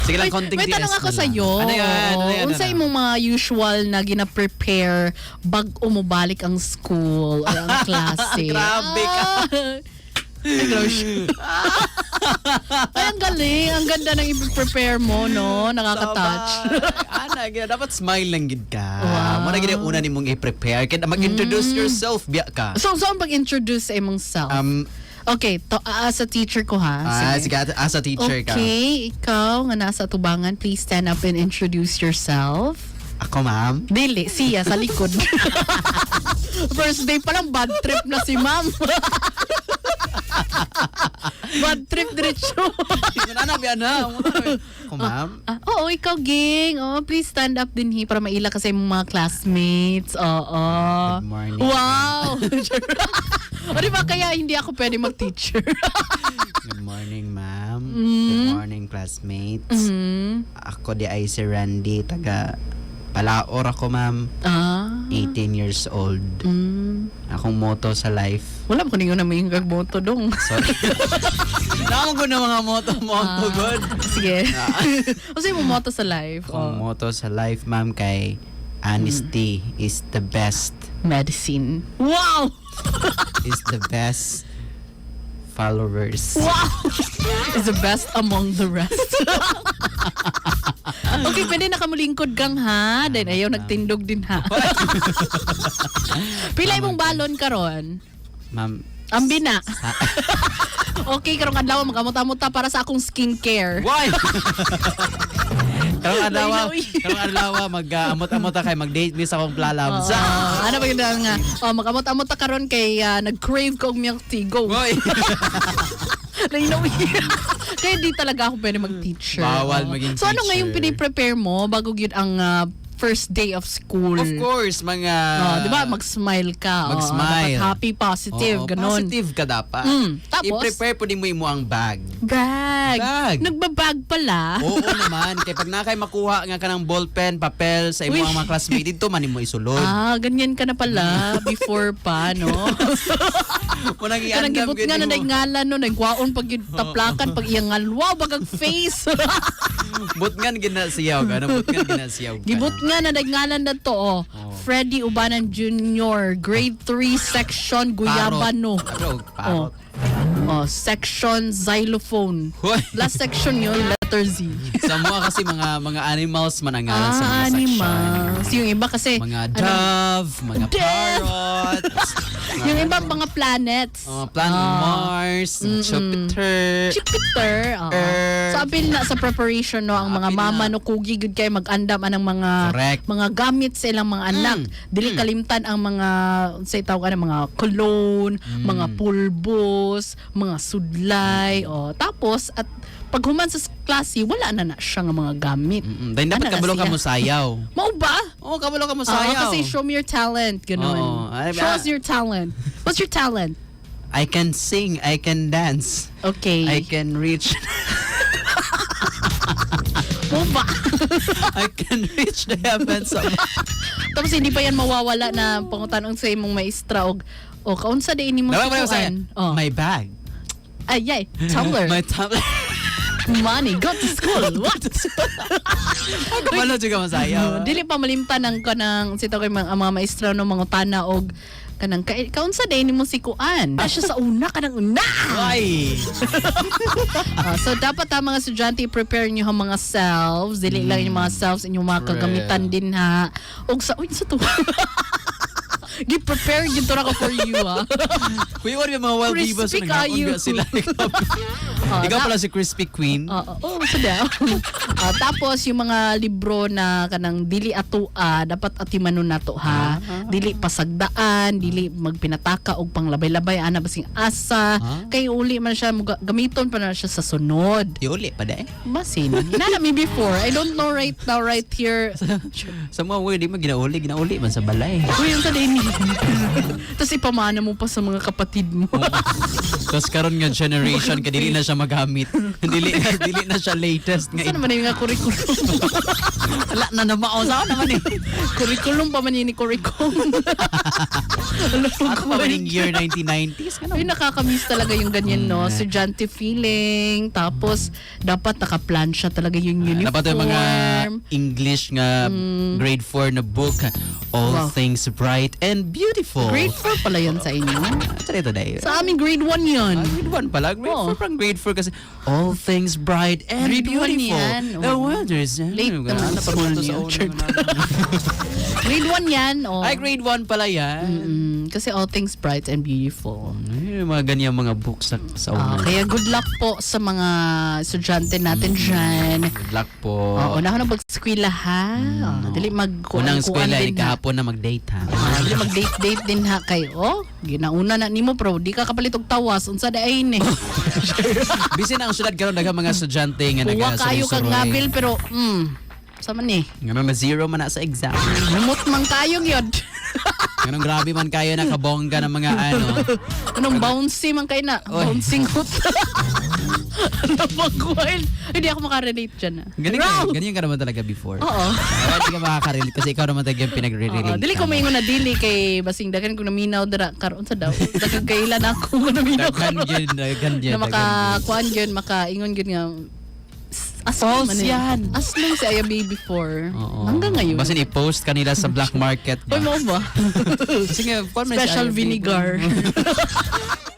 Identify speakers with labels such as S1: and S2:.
S1: Sige lang, konting
S2: may tanong
S1: TS
S2: ako
S1: na lang.
S2: sa'yo.
S1: Ano yan?
S2: Unsay imong mga usual na gina-prepare bag umubalik ang school o ang klase?
S1: Grabe ka.
S2: Ay, gross. Ay, ang galing. Ang ganda ng i-prepare mo, no? Nakaka-touch.
S1: Ana, dapat smile lang gid ka.
S2: Wow.
S1: Mo na gid ang una nimong i-prepare kaya mag-introduce yourself biya ka.
S2: So, saan pag-introduce sa imong self? Okay, as a teacher ko ha.
S1: Sige, as a teacher ka.
S2: Okay, ikaw nga nasa tubangan, please stand up and introduce yourself.
S1: Ako, ma'am.
S2: Dili, siya sa likod. First day pa lang, bad trip na si ma'am. Bad trip diretso.
S1: Ano biya na? Ako, ma'am.
S2: Oo, ikaw, ging. Oh, please stand up din para maila kasi yung mga classmates. Oo.
S1: Good morning.
S2: Wow. O diba kaya hindi ako pwede mag-teacher?
S1: Good morning, ma'am. Good morning, classmates. Ako di ay si Randy, taga Palaor ako, ma'am. 18 years old. Akong motto sa life.
S2: Wala ba kunin ko na may moto dong?
S1: Sorry. Naman ko na mga motto, good.
S2: Sige. Kasi mo moto sa life.
S1: Akong motto sa life, ma'am, kay honesty is the best.
S2: Medicine. Wow!
S1: Is the best followers.
S2: Wow! Is the best among the rest. Okay, pwede nakamulingkod kang ha. Then ayaw nagtindog din ha. Pila imong balon karon?
S1: Ma'am.
S2: Ambi na. Okay, karong adlaw magamot-amuta para sa akong skincare.
S1: Why? Karong adlaw mag-amot-amot kay mag-date mi sa akong plalabs.
S2: Ano ba yun nga? Magamot-amuta karon kay nag-crave ko og milk tea. Go.
S1: Boy.
S2: Kaya di talaga ako pwede mag-teacher.
S1: Bawal maging
S2: So ano nga yung
S1: teacher.
S2: piniprepare mo bago yun ang first day of school?
S1: Of course, mga...
S2: Di ba? Mag-smile ka.
S1: Mag-smile.
S2: Dapat happy, positive, ganun.
S1: Positive ka dapat.
S2: Tapos?
S1: I-prepare po din mo ang bag.
S2: Bag. Nagbabag pala.
S1: Oo naman. Kaya pag nakay makuha nga ka ng ballpen, papel sa imo ang mga classmate, dito man mo isulod.
S2: Ganyan ka na pala before pa, no?
S1: Munang
S2: Kanang
S1: iandam
S2: gibot nga na ngalan, no? Nagwaon pag taplakan, pag iyangal. Wow, bagang face.
S1: Butngan ginasiyaw ka. Butngan ginasiyaw ka.
S2: Gibot nga na ngalan na to, Freddy Ubanan Jr., grade 3, section Guyabano.
S1: Parot.
S2: Section xylophone.
S1: Hoy.
S2: Last section yun, letter Z.
S1: Sa mga kasi mga animals man ang ngalan sa mga
S2: animals.
S1: section.
S2: Yung iba kasi,
S1: Mga dove, mga parrots.
S2: yung iba mga planets.
S1: Planet Mars, Jupiter.
S2: Jupiter.
S1: Earth.
S2: So, apil na sa preparation, no, ang mga
S1: Apil
S2: mama,
S1: na.
S2: no, kugi good kayo mag-andam anang
S1: Correct.
S2: mga gamit sa ilang mga anak. Dili kalimtan ang mga, sa tawag mga cologne, mga pulbos, mga sudlay, tapos, at pag human sa klase, wala na siya nga mga gamit.
S1: Dahil dapat
S2: Ana na
S1: kabalo ka
S2: siya.
S1: mo sayaw.
S2: Mau ba?
S1: Oo, kabalo ka mo sayaw.
S2: Kasi show me your talent, ganun.
S1: Oo.
S2: Show us your talent. What's your talent?
S1: I can sing, I can dance,
S2: Okay.
S1: I can reach,
S2: Mau ba?
S1: I can reach the heavens.
S2: Tapos hindi pa yan mawawala na pangutanong sa imong maestra og kaunsa din ni mo tutuan.
S1: My bag.
S2: Ay, tumbler.
S1: My tablet.
S2: Money, go to school. What?
S1: Kabalo juga mo sayaw.
S2: Dili pa malimtan ang kanang sito kay ang mga maestra no mga utana og kanang kaunsa din ni mo si kuan. Siya sa una kanang una.
S1: Ay.
S2: So dapat ang mga estudyante i-prepare niyo ang mga selves, dili lang yung mga selves inyong mga kagamitan din ha. Og sa sa to. Gi-prepare gid to ra ko for you ha.
S1: Kuya, what yung mga wild divas
S2: Crispy
S1: na
S2: kayo.
S1: sila? Ikaw pala si Crispy Queen.
S2: So daw. Tapos yung mga libro na kanang dili atua, dapat atimanon nato ha. Dili pasagdaan, dili magpinataka og panglabay-labay ana basing asa. Kay uli man siya gamiton pa na siya sa sunod.
S1: Iuli pa dahil.
S2: Basin. Nana me before. I don't know right now right here.
S1: Sa mga word, di mo ginauli man sa balay.
S2: Uy, yung sa din Tapos ipamana mo pa sa mga kapatid mo.
S1: Tapos karon nga generation ka dili na siya magamit. dili na siya latest nga.
S2: Saan naman yung nga curriculum?
S1: Wala na namao sa naman eh.
S2: Curriculum pa man yun ni curriculum.
S1: Ato pa man yung year 1990s.
S2: Ay, nakakamiss talaga yung ganyan, no? Estudyante feeling. Tapos, dapat naka-plan siya talaga yung uniform.
S1: Dapat yung mga English nga grade 4 na book. All
S2: Wow.
S1: Things Bright and Beautiful.
S2: Grade 4 pala yun sa inyo.
S1: Sa ito dahil.
S2: Sa amin, grade 1 yun.
S1: Grade 1 pala. Grade
S2: Oo.
S1: 4 parang grade 4 kasi all things bright and
S2: Grade 1
S1: beautiful.
S2: yan.
S1: The
S2: Oo.
S1: weather's
S2: Late naman sa school niya. Grade 1 yan. Oh.
S1: Ay, grade 1 pala yan.
S2: Kasi all things bright and beautiful.
S1: Ay, mga ganyan mga books sa una.
S2: Kaya good luck po sa mga estudyante natin dyan.
S1: Good luck po.
S2: Una ko na mag-eskwela ha. Dali
S1: Unang eskwela,
S2: din ha.
S1: kahapon na mag-date ha.
S2: Dali mag-date din ha kayo. Ginauna na nimo bro, di ka kapalit og tawas unsa daay ni.
S1: Bisin ang syudad karon daghang mga estudyante nga
S2: Kuha kayo kag ngabil pero sa man ni.
S1: Ngano na zero man na sa exam.
S2: Lumot man kayo gyud.
S1: Ganun grabe man kayo nakabongga ng mga ano.
S2: Anong bouncy man kayo na?
S1: Oy.
S2: Bouncing hoot. Napag-wild. Hindi ako makarelate dyan.
S1: Ganyan ka naman talaga before.
S2: Oo.
S1: Hindi ka makakarelate kasi ikaw naman talaga yung pinagre-relate.
S2: Dili ko maingon na dili kay basing dagan ko naminaw dara karon sa daw. Dagan kailan ako naminaw karon.
S1: Daghan
S2: Na makakuan gyud makaingon gyud nga asmong
S1: False yan.
S2: Asmong si Aya Baby 4. Hanggang ngayon.
S1: Basin i-post kanila sa black market.
S2: Hoy mo ba?
S1: Sige,
S2: Special vinegar.